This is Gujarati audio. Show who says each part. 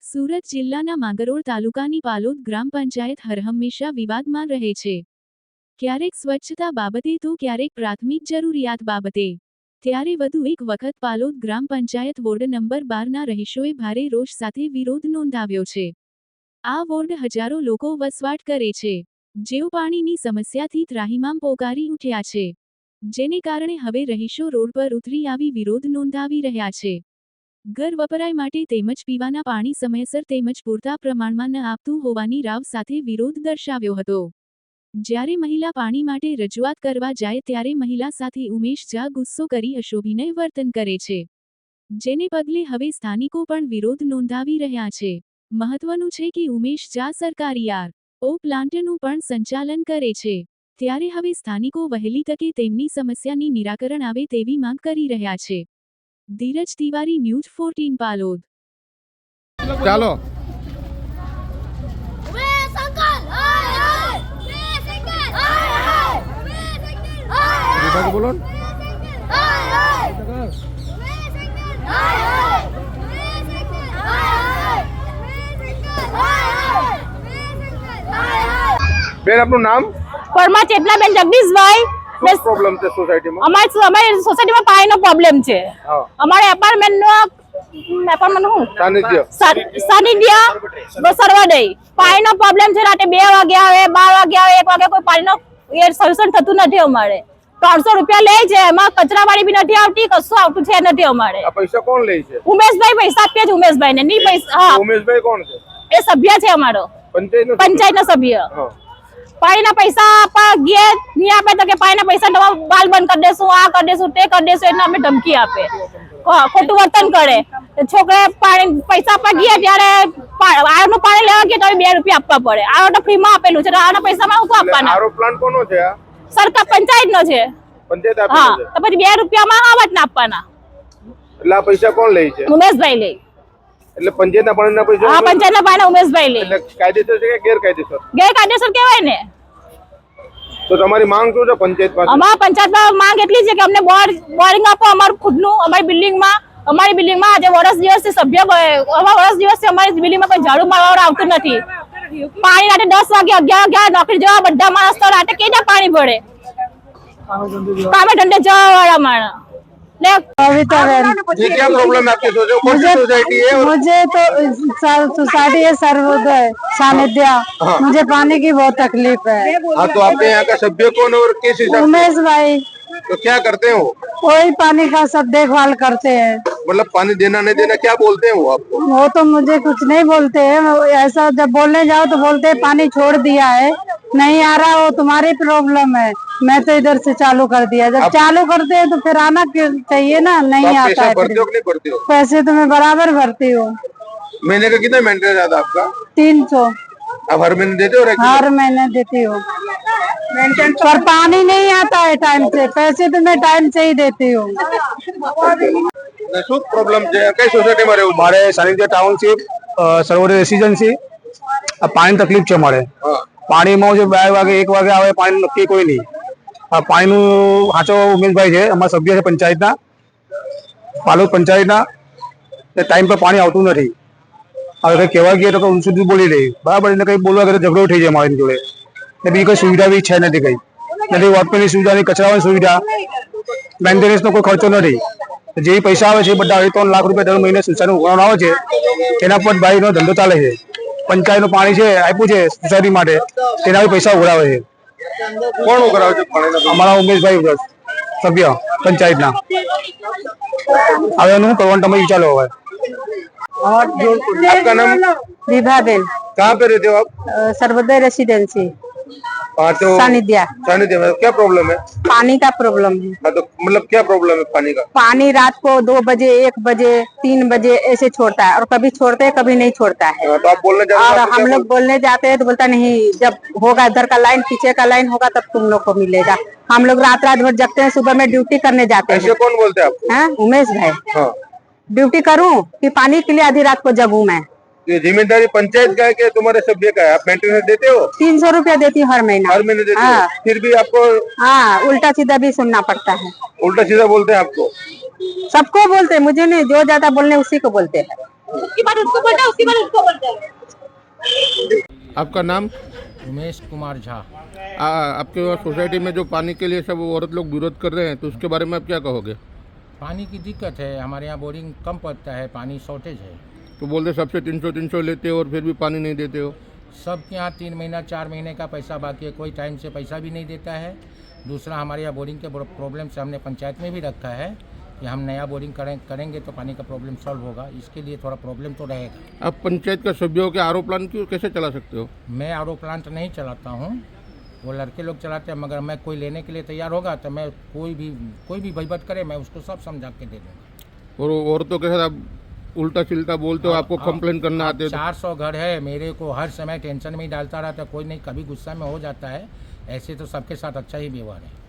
Speaker 1: સુરત જિલ્લાના માંગરોળ તાલુકાની પાલોદ ગ્રામ પંચાયત હરહંમેશા વિવાદમાં રહે છે. ક્યારેક સ્વચ્છતા બાબતે તો ક્યારેક પ્રાથમિક જરૂરિયાત બાબતે. ત્યારે વધુ એક વખત પાલોદ ગ્રામ પંચાયત વોર્ડ નંબર 12ના રહીશોએ ભારે રોષ સાથે વિરોધ નોંધાવ્યો છે. આ વોર્ડ હજારો લોકો વસવાટ કરે છે, જેઓ પાણીની સમસ્યાથી ત્રાહિમામ પોકારી ઉઠ્યા છે, જેને કારણે હવે રહીશો રોડ પર ઉતરી આવી વિરોધ નોંધાવી રહ્યા છે. ઘર વપરાય માટે તેમજ પીવાના પાણી સમયસર તેમજ પૂરતા પ્રમાણમાં ન આપતું હોવાની રાવ સાથે વિરોધ દર્શાવ્યો હતો. જ્યારે મહિલા પાણી માટે રજૂઆત કરવા જાય ત્યારે મહિલા સાથે ઉમેશ ઝા ગુસ્સો કરી અશોભનીય વર્તન કરે છે, જેને પગલે હવે સ્થાનિકો પણ વિરોધ નોંધાવી રહ્યા છે. મહત્વનું છે કે ઉમેશ ઝા સરકારી આર.ઓ. પ્લાન્ટનું પણ સંચાલન કરે છે, ત્યારે હવે સ્થાનિકો વહેલી તકે તેમની સમસ્યાની નિરાકરણ આવે તેવી માંગ કરી રહ્યા છે. ધીરજ તિવારી, ન્યૂઝ 14 પાલોદ.
Speaker 2: ચાલો બોલો. બેન, આપનું નામ?
Speaker 3: પરમા ચેતનાબેન જગદીશભાઈ.
Speaker 2: શું પ્રોબ્લેમ છે સોસાયટીમાં?
Speaker 3: અમારી સોસાયટીમાં પાણીનો પ્રોબ્લેમ છે. અમારે એપાર્ટમેન્ટનું સાનિધ્ય સર્વોદય પાણીનો પ્રોબ્લેમ છે. રાતે 2 વાગે આવે, 12 વાગે આવે, 1 વાગે કોઈ પાણીનો સોલ્યુશન થતું નથી. અમારે 300 રૂપિયા લે છે, એમાં કચરાવાળી બી નથી આવતી, કશું આવતું છે નથી. અમારે
Speaker 2: પૈસા કોણ લે છે?
Speaker 3: ઉમેશભાઈ પૈસા આપે છે. ઉમેશભાઈ ને નહીં પૈસા.
Speaker 2: ઉમેશભાઈ કોણ છે?
Speaker 3: એ સભ્ય છે અમારો, પંચાયતનો સભ્ય. પાણીના પૈસા આપવા ગયા નહીં આપે તો કે પાણીના પૈસા નવા બાલ બંધ કરી દેશું, આ કરી દેશું, તે કરી દેશું, એને અમે ધમકી આપે, ખોટું વર્તન કરે. છોકરા પાણી પૈસા આપવા ગયા ત્યારે આનું પાણી લેવા ગયા તો 2 રૂપિયા આપવા પડે. આ તો ફ્રીમાં આપેલું છે, આના પૈસામાં શું આપવાના?
Speaker 2: આરો પ્લાન્ટ કોનો છે?
Speaker 3: સરકાર પંચાયતનો છે.
Speaker 2: પંચાયત આપે છે.
Speaker 3: તો પછી 2 રૂપિયામાં આવત ના આપવાના.
Speaker 2: એટલે આ પૈસા કોણ લે છે?
Speaker 3: ઉમેશભાઈ લે.
Speaker 2: એટલે પંચાયતના પાણીના પૈસા?
Speaker 3: હા, પંચાયતના પાણીના ઉમેશભાઈ લે.
Speaker 2: એટલે કાયદેસર છે કે ગેરકાયદેસર?
Speaker 3: ગેરકાયદેસર કહેવાય ને.
Speaker 2: તો તમારી માંગ શું છે પંચાયત પાસે?
Speaker 3: અમારા પંચાયતમાં માંગ એટલી છે કે અમને બોરિંગ આપો અમારું ખુદનું. અમારી બિલ્ડિંગમાં આજે વર્ષ દિવસથી અમારી બિલ્ડિંગમાં કોઈ ઝાડુ મારવા આવતું નથી. પાણી રાતે 10 વાગે 11 નોકરી જવા બધા માણસ તો રાતે કેજા પાણી પડે, કામે ધંધે જવા वाला माणस.
Speaker 2: ये क्या प्रॉब्लम है आपकी सोसाइटी है?
Speaker 4: मुझे तो सोसाइटी है सर्वोदय सानिध्य. मुझे पानी की बहुत तकलीफ है.
Speaker 2: हाँ, तो आपके यहाँ का सभ्य कौन और किस हिसाब से?
Speaker 4: उमेश भाई.
Speaker 2: तो क्या करते हैं वो?
Speaker 4: वही पानी का सब देखभाल करते हैं.
Speaker 2: मतलब पानी देना नहीं देना क्या बोलते हैं वो आपको?
Speaker 4: वो तो मुझे कुछ नहीं बोलते हैं. ऐसा जब बोलने जाओ तो बोलते हैं पानी छोड़ दिया है, नहीं आ रहा, वो तुम्हारी प्रॉब्लम है. मैं तो इधर से चालू कर दिया. जब चालू करते हैं तो फिर आना चाहिए ना. नहीं
Speaker 2: तो
Speaker 4: आता है.
Speaker 2: भरते हो कि नहीं भरते हो?
Speaker 4: पैसे तो मैं बराबर भरती हूँ.
Speaker 2: महीने का कितना मेंटेनेंस आता है आपका?
Speaker 4: 300.
Speaker 2: आप हर महीने देते हो?
Speaker 4: हर महीने देती हूँ, पर पानी नहीं आता है टाइम से. पैसे तो मैं टाइम से ही देती हूँ.
Speaker 2: શું પ્રોબ્લેમ છે? કઈ સોસાયટીમાં રહેવું?
Speaker 5: મારે સાનિધ્ય ટાઉનશીપ સર્વોદય રેસિડેન્સી. આ પાણીની તકલીફ છે મારે. પાણીમાં જે 2 વાગે 1 વાગે આવે પાણી નક્કી કોઈ નહીં. આ પાણીનું સાચો ઉમેશભાઈ છે, અમારા સભ્ય છે પંચાયતના, પાલોદ પંચાયતના. ટાઈમ પર પાણી આવતું નથી. હવે કંઈ કહેવા ગયા તો ઊંચું સુધી બોલી રહી, બરાબર. એને કંઈ બોલવા ગયા તો ઝઘડો થઈ જાય મારી જોડે. ને બીજી કંઈ સુવિધા બી છે નથી, કંઈ નથી. વોટમેનની સુવિધા નહીં, કચરાવાની સુવિધા, મેન્ટેનન્સનો કોઈ ખર્ચો નથી. જે પૈસા આવે છે એ બધા 3 લાખ રૂપિયા દર મહિને સોસાયટીનું ઉઘરાણું આવે છે, એના પર ભાઈનો ધંધો ચાલે છે. પંચાયતનું પાણી છે આપ્યું છે સોસાયટી માટે, તેના પૈસા ઉઘરાવે છે.
Speaker 2: કોણ ઉઘરાવે છે પાણીના?
Speaker 5: અમારા ઉમેશભાઈ સભ્ય પંચાયતના. હવે એનું કરવાનું તમે વિચારો. હવે
Speaker 2: आपका नाम?
Speaker 4: विभाबेन.
Speaker 2: कहाँ पे रहते हो आप?
Speaker 4: सर्वोदय रेसिडेंसी
Speaker 2: तो
Speaker 4: सानिध्य.
Speaker 2: सानिध्य में क्या प्रॉब्लम है?
Speaker 4: पानी का प्रॉब्लम है.
Speaker 2: हाँ, तो मतलब क्या प्रॉब्लम है पानी का?
Speaker 4: पानी रात को 2 बजे 1 बजे 3 बजे ऐसे छोड़ता है, और कभी छोड़ते है कभी नहीं छोड़ता है.
Speaker 2: तो आप बोलने जाते
Speaker 4: और हम लोग बोलने जाते हैं तो बोलता नहीं, जब होगा इधर का लाइन पीछे का लाइन होगा तब तुम लोग को मिलेगा. हम लोग रात भर जगते हैं, सुबह में ड्यूटी करने जाते हैं.
Speaker 2: ऐसे कौन बोलते हैं आपको?
Speaker 4: हाँ, उमेश भाई.
Speaker 2: हाँ.
Speaker 4: ड्यूटी करूं कि पानी के लिए आधी रात को जगूं मैं.
Speaker 2: ये जिम्मेदारी पंचायत का है कि तुम्हारे सभ्य का है? आप मेंटेनेंस देते हो?
Speaker 4: 300 रुपया देती हूँ हर महीना.
Speaker 2: हर महीने देते
Speaker 4: हाँ.
Speaker 2: हो? फिर भी आपको?
Speaker 4: हाँ, उल्टा सीधा भी सुनना पड़ता है.
Speaker 2: उल्टा सीधा बोलते हैं आपको?
Speaker 4: सबको बोलते हैं, मुझे नहीं. जो ज्यादा बोलने उसी को बोलते हैं.
Speaker 3: उसकी बात उसको बोलना है, उसकी बात उसको बोलना है।
Speaker 2: आपका नाम?
Speaker 6: उमेश कुमार झा।
Speaker 2: आपके वहाँ सोसाइटी में जो पानी के लिए सब औरत लोग विरोध कर रहे हैं, तो उसके बारे में आप क्या कहोगे?
Speaker 6: पानी की दिक्कत है, हमारे यहाँ बोरिंग कम पड़ता है, पानी शॉर्टेज है।
Speaker 2: तो बोलते सबसे 300 लेते हो और फिर भी पानी नहीं देते हो।
Speaker 6: सबके यहाँ 3 महीना 4 महीने का पैसा बाकी है, कोई टाइम से पैसा भी नहीं देता है। दूसरा, हमारे यहाँ बोरिंग के प्रॉब्लम से हमने पंचायत में भी रखा है कि हम नया बोरिंग करेंगे तो पानी का प्रॉब्लम सॉल्व होगा। इसके लिए थोड़ा प्रॉब्लम तो रहेगा।
Speaker 2: आप पंचायत का सभ्यों के आरो प्लांट क्यों कैसे चला सकते हो?
Speaker 6: मैं आर प्लांट नहीं चलाता हूँ, वो लड़के लोग चलाते हैं, मगर मैं कोई लेने के लिए तैयार होगा तो मैं कोई भी भयभत करे मैं उसको सब समझा के दे दूँगा।
Speaker 2: और औरतों के साथ आप उल्टा चिल्टा बोलते हो, आपको कंप्लेन करना आते हो।
Speaker 6: 400 घर है, मेरे को हर समय टेंशन में ही डालता रहता है, कोई नहीं, कभी गुस्सा में हो जाता है। ऐसे तो सबके साथ अच्छा ही व्यवहार है।